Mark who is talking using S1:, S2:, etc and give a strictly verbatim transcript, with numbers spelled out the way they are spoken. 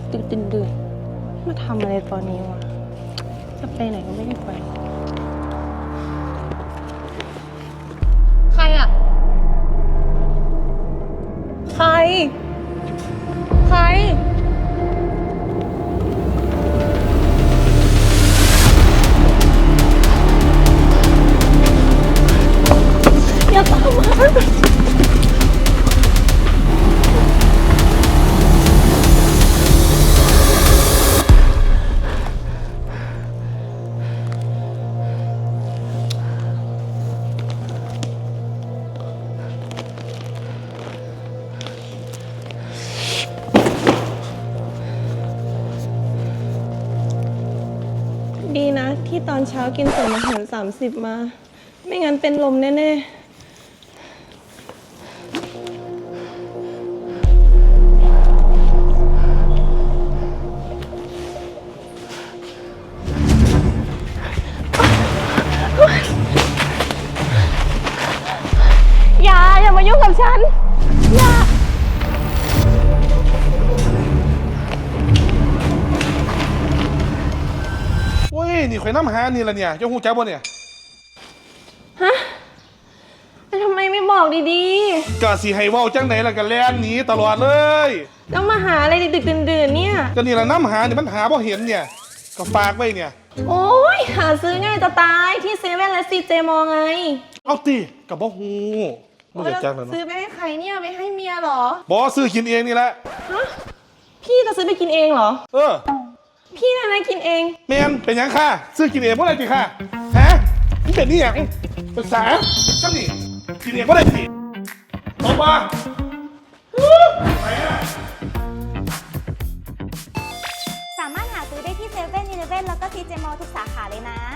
S1: ดึกๆดื่นๆมาทำอะไรตอนนี้วะจะไปไหนก็ไม่ได้ไปใครอะใครใครอย่าตามมาดีนะที่ตอนเช้ากินส่วนอาหารสามสิบมา ไม่งั้นเป็นลมแน่ๆอย่าอย่ามายุ่งกับฉันอย่า
S2: โอ้ยนี่ข่อยน้ำหานี่ละเนี่ยเจ้าหูจักบ่เนี่ย
S1: ฮะแต่ทำไมไม่บอกดี
S2: กะสิให้เว้าจังไหนล่ะกันแล่นหนีตลอดเลย
S1: ๆแล้วมาหาอะไรดึกๆดื่นๆเนี่ย
S2: ก็นี่ละน้ำหาเนี่ยมันหาบ่เห็นเนี่ยก็ฝากไว้เนี่ย
S1: โอ้ยหาซื้อง่ายจะตายที่เซเว่นและซีเจมอไง
S2: เอาติกับบ่ฮู้บ่อยากจักแล้ว
S1: ซื้อ
S2: เนาะ
S1: ไปให้ใครเนี่ยไปให้เมียเหรอ
S2: บ่ซื้อกินเองนี่แหละ
S1: ฮะพี่จะซื้อไปกินเองเหรอ
S2: เออ
S1: พี่นายนายกินเอง
S2: แม่นเป็นหยังค่ะซื้อกินเองบ่ได้ติค่ะฮะนี่เป็นนี่หยังภาษาจังนี่กินเองบ่ได้ติตบมาไปอ่ะ
S3: สามารถหาซื้อได้ที่เซเว่นอีเลฟเว่นแล้วก็ซีเจมอลทุกสาขาเลยนะ